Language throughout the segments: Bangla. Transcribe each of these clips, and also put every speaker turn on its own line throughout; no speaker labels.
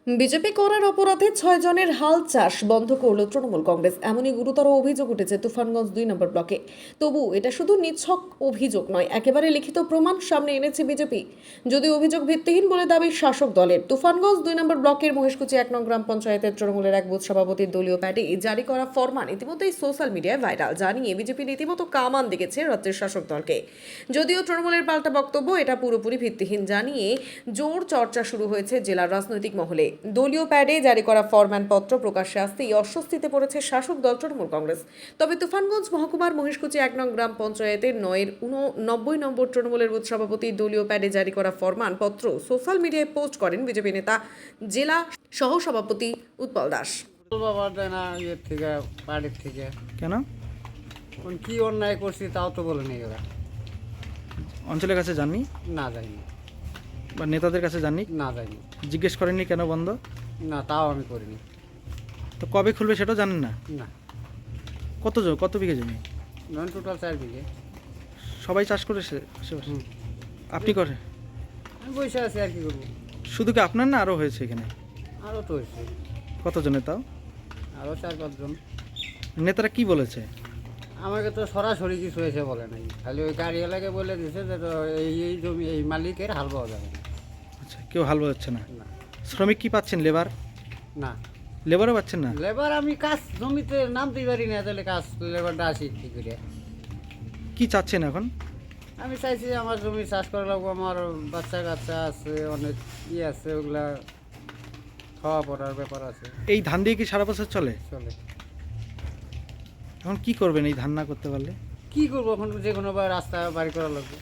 বিজেপি করার অপরাধে 6 জনের হাল চাষ বন্ধ করল তৃণমূল কংগ্রেস। এমনই গুরুতর অভিযোগ উঠেছে তুফানগঞ্জ 2 নম্বর ব্লকে। তবু এটা শুধু নিছক অভিযোগ নয়, একেবারে লিখিত প্রমাণ সামনে এনেছে বিজেপি। যদি অভিযোগ ভিত্তিহীন বলে দাবি শাসক দলের। তুফানগঞ্জ 2 নম্বর ব্লকের মহেশকুচি 1 নং গ্রাম পঞ্চায়েতের তৃণমূলের এক বুথ সভাপতির দলীয় প্যাডে জারি করা ফরমান ইতিমধ্যেই সোশ্যাল মিডিয়ায় ভাইরাল, জানিয়ে বিজেপি রীতিমতো কামান দেখেছে রাজ্যের শাসক দলকে। যদিও তৃণমূলের পাল্টা বক্তব্য এটা পুরোপুরি ভিত্তিহীন জানিয়ে জোর চর্চা শুরু হয়েছে জেলার রাজনৈতিক মহলে। দলীয় প্যাডে জারি করা ফরম্যান পত্র প্রকাশ্যে আসতেই অস্বস্তিতে পড়েছে শাসক দল তৃণমূল কংগ্রেস। তবে তুফানগঞ্জ মহকুমার মহেশকুচি 1 নং গ্রাম পঞ্চায়েতের 90 নম্বর তৃণমূলের বুথ সভাপতি দলীয় প্যাডে জারি করা ফরমান পত্র সোশ্যাল মিডিয়ায় পোস্ট করেন বিজেপি নেতা জেলা সহ সভাপতি উৎপল দাস।
বাড়ির থেকে
কেন
কি অন্যায় করছি তাও তো বলেনি ওরা।
অঞ্চলের কাছে যাননি
না যাইনি,
বা নেতাদের কাছে যাননি?
না যাইনি,
জিজ্ঞেস করেননি কেন বন্ধ?
না তাও আমি করিনি।
তো কবে খুলবে সেটাও জানেন না?
না,
কত বিঘে জমি?
টোটাল 4 বিঘে।
সবাই চাষ করে আশেপাশে? আপনি করে?
আমি বসে আছি, আর কি করবো।
শুধু কি আপনার না আরও হয়েছে এখানে?
আরও তো হয়েছে,
কতজনের তাও?
আরও 4-5 জন।
নেতারা কি বলেছে?
আমাকে তো সরাসরি কিছু হয়েছে বলে নাই, খালি ওই গাড়িওয়ালাকে বলে দিয়েছে যে তো এই জমি এই মালিকের হাল পাওয়া যাবে না।
আচ্ছা, কেউ হাল হচ্ছে না?
না,
শ্রমিক কি পাচ্ছেন?
না
লেবারও পাচ্ছেন না?
লেবার আমি কাজ জমিতে নামতেই পারি না, তাহলে কাজ লেবারটা আসি কি করে?
কি চাচ্ছেন এখন?
আমি চাইছি যে আমার জমি চাষ করা লাগবো, আমার বাচ্চা কাচ্চা আছে, অনেক আছে, ওগুলা খাওয়া পড়ার ব্যাপার আছে।
এই ধান দিয়ে কি সারা বছর চলে?
চলে।
এখন কি করবেন এই ধান না করতে পারলে?
কি করবো এখন, যে কোনো রাস্তা বাড়ি করা লাগবে।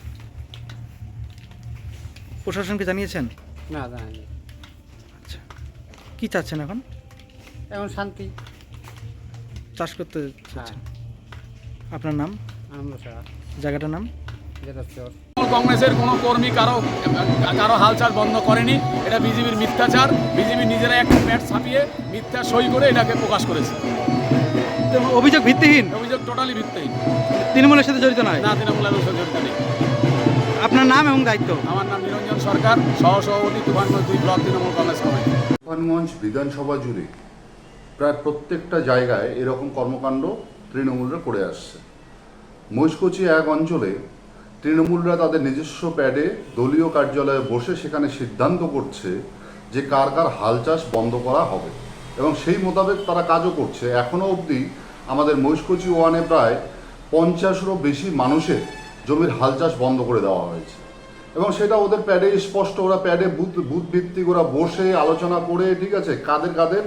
প্রশাসনকে জানিয়েছেন?
না জানি।
আচ্ছা, কি চাচ্ছেন এখন?
এখন শান্তি।
চাষ করতে
হ্যাঁ,
চাচ্ছেন? আপনার নাম?
আমরা ছাড়া
জায়গাটার নাম?
যেটা চর।
কংগ্রেসের কোনো কর্মী কারো হালচাল বন্ধ করেনি। এটা বিজেপির মিথ্যাচার। বিজেপি নিজেরা একটা প্যাড ছাপিয়ে মিথ্যা সই করে এটাকে প্রকাশ করেছে।
অভিযোগ ভিত্তিহীন?
অভিযোগ টোটালি ভিত্তিহীন।
তৃণমূলের সাথে জড়িত নয়?
না, তৃণমূলের সাথে জড়িত নেই।
আপনার নাম এবং দায়িত্ব?
আমার নাম নিরঞ্জন সরকার, সহসভাপতি Tufanganj 2 block Trinamool Congress committee.
Tufanganj বিধানসভা জুড়ে প্রায় প্রত্যেকটা জায়গায় এরকম কর্মকাণ্ড তৃণমূলরা করে আসছে। মহেশকুচি 1 অঞ্চলে তৃণমূলরা তাদের নিজস্ব প্যাডে দলীয় কার্যালয়ে বসে সেখানে সিদ্ধান্ত করছে যে কার কার হাল চাষ বন্ধ করা হবে, এবং সেই মোতাবেক তারা কাজও করছে। এখনও অবধি আমাদের মহেশকুচি 1-এ প্রায় 50-এরও বেশি মানুষের জমির হাল চাষ বন্ধ করে দেওয়া হয়েছে, এবং সেটা ওদের প্যাডে স্পষ্ট। ওরা প্যাডে বুথ ভিত্তিক ওরা বসে আলোচনা করে, ঠিক আছে, কাদের কাদের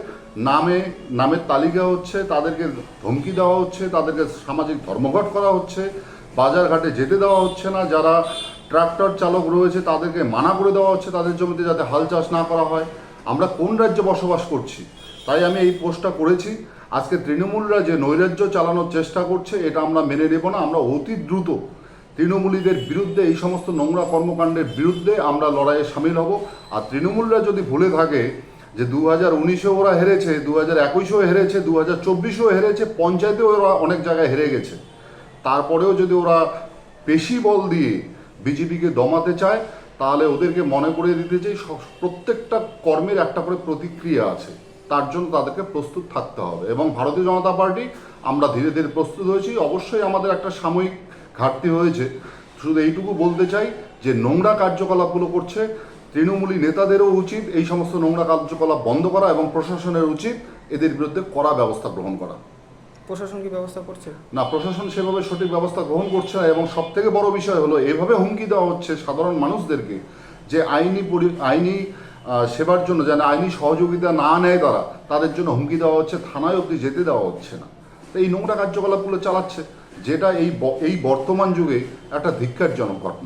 নামের তালিকা হচ্ছে, তাদেরকে ধমকি দেওয়া হচ্ছে, তাদেরকে সামাজিক ধর্মঘট করা হচ্ছে, বাজারঘাটে যেতে দেওয়া হচ্ছে না, যারা ট্রাক্টর চালক রয়েছে তাদেরকে মানা করে দেওয়া হচ্ছে তাদের জমিতে যাতে হাল চাষ না করা হয়। আমরা কোন রাজ্যে বসবাস করছি? তাই আমি এই পোস্টটা করেছি। আজকে তৃণমূলরা যে নৈরাজ্য চালানোর চেষ্টা করছে এটা আমরা মেনে নেব না। আমরা অতি দ্রুত তৃণমূলীদের বিরুদ্ধে, এই সমস্ত নোংরা কর্মকাণ্ডের বিরুদ্ধে আমরা লড়াইয়ে সামিল হব। আর তৃণমূলরা যদি ভুলে থাকে যে 2019-এও ওরা হেরেছে, 2021-এও হেরেছে, 2024-এও হেরেছে, পঞ্চায়েতেও ওরা অনেক জায়গায় হেরে গেছে, তারপরেও যদি ওরা পেশি বল দিয়ে বিজেপিকে দমাতে চায়, তাহলে ওদেরকে মনে করিয়ে দিতে চাই প্রত্যেকটা কর্মের একটা করে প্রতিক্রিয়া আছে, তার জন্য তাদেরকে প্রস্তুত থাকতে হবে। এবং ভারতীয় জনতা পার্টি আমরা ধীরে ধীরে প্রস্তুত হয়েছি। অবশ্যই আমাদের একটা সাময়িক ঘাটতি হয়েছে। শুধু এইটুকু বলতে চাই যে নোংরা কার্যকলাপগুলো করছে তৃণমূলী নেতাদেরও উচিত এই সমস্ত নোংরা কার্যকলাপ বন্ধ করা, এবং প্রশাসনের উচিত এদের বিরুদ্ধে কড়া ব্যবস্থা গ্রহণ করা।
প্রশাসন কি ব্যবস্থা করছে?
না, প্রশাসন সেভাবে সঠিক ব্যবস্থা গ্রহণ করছে না। এবং সব থেকে বড় বিষয় হলো এভাবে হুমকি দেওয়া হচ্ছে সাধারণ মানুষদেরকে যে আইনি সেবার জন্য যেন আইনি সহযোগিতা না নেয় তারা, তাদের জন্য হুমকি দেওয়া হচ্ছে, থানায় অবধি যেতে দেওয়া হচ্ছে না। তো এই নোংরা কার্যকলাপগুলো চালাচ্ছে, যেটা এই বর্তমান যুগে একটা ধিক্কারজনক ঘটনা।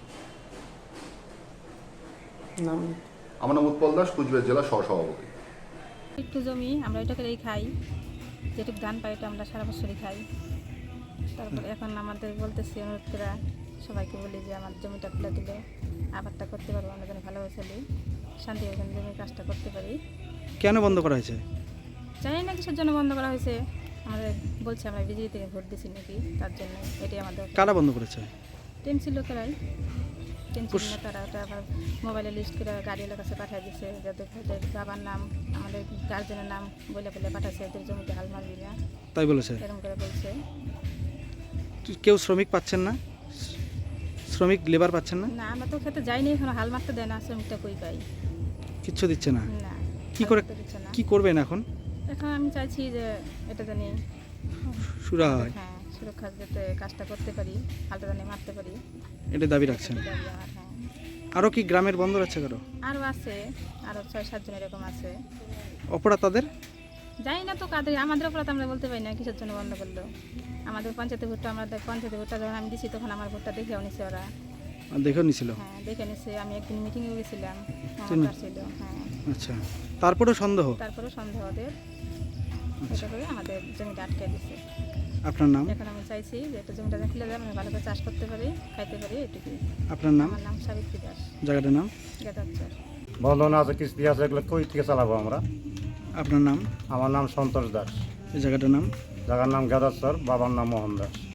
আমার নাম উৎপল দাস, কুচবিহার জেলা সহসভাপতি।
একটু জমি আমরা এটা করেই খাই, যেটুকু ধান পাই এটা আমরা সারা বছরই খাই। তারপরে এখন আমাদের বলতেছি, অনুরোধ করে সবাইকে বলি যে আমার জমিটা খুলে দিলে আবারটা করতে পারবো, আমরা যেন ভালোভাবে চলি, শান্তি যেন জমির কাজটা করতে পারি।
কেন বন্ধ করা হয়েছে?
জানি না কিসের জন্য বন্ধ করা হয়েছে। আমাদের বলছে আমরা বিজেপি থেকে ভোট দিছি নাকি, তার জন্য এটাই আমাদের।
কারা বন্ধ করেছে?
টিএমসি লোকেরাই। টেনশন না, তারা ওটা আবার মোবাইলে লিস্ট করে গাড়িওয়ালার কাছে পাঠিয়ে দিচ্ছে, যাদের ওদের বাবার নাম আমাদের গার্জেনের নাম বলে বলে পাঠাচ্ছে, ওদের জমিতে হাল মারবি না,
তাই বলেছে।
এরকম করে বলছে।
কেউ শ্রমিক পাচ্ছেন না, শ্রমিক লেবার পাচ্ছেন না,
না আমরা তো খেতে যাইনি, এখন হাল মারতে দেয় না, শ্রমিকটা কই পাই
কিচ্ছু দিচ্ছে না।
না,
কি করে
হাল মারতে দিচ্ছে না।
কি করবেন এখন?
এখন আমি চাইছি যে এটা জানি
শুরা হয়,
হ্যাঁ সুরক্ষা যাতে কাজটা করতে পারি, হালটা জানি মারতে পারি,
এটা দাবি রাখছেন।
এটাই দাবি আমার। হ্যাঁ
আরও কি গ্রামের বন্দর আছে কারো?
আরও আছে, আরও 6-7 জন এরকম আছে।
অপরাধ তাদের?
জানি না তো কাদের, আমাদের অপরাধ আমরা বলতে পারি না কিসের জন্য বন্ধ করলো। আমাদের পঞ্চায়েতে ভোটটা, আমাদের পঞ্চায়েতে ভোটটা যখন আমি দিছি তখন আমার ভোটটা দেখেও নিছে ওরা।
দেখেও নিছিল?
হ্যাঁ দেখে নিছে, আমি একদিন মিটিংয়ে গেছিলাম,
চিনি।
ছিল। হ্যাঁ
আচ্ছা, তারপরেও সন্দেহ?
তারপরে সন্দেহ ওদের, এটা করে আমাদের জমিটা আটকে দিছে।
আপনার নাম?
এখন আমি চাইছি যে একটা জমিটা খুলে দেয়, আমি ভালো করে চাষ করতে পারি, খাইতে পারি, এটুকুই।
আপনার নাম?
আমার নাম সাবিত্রী দাস,
জায়গাটার নাম?
গেদারচর।
বন্ধন আছে, কিস্তি আছে, এগুলো কই থেকে চালাবো আমরা?
আপনার নাম?
আমার নাম সন্তোষ দাস,
এই জায়গাটার নাম?
জায়গার নাম গেদারচর, বাবার নাম মোহন দাস।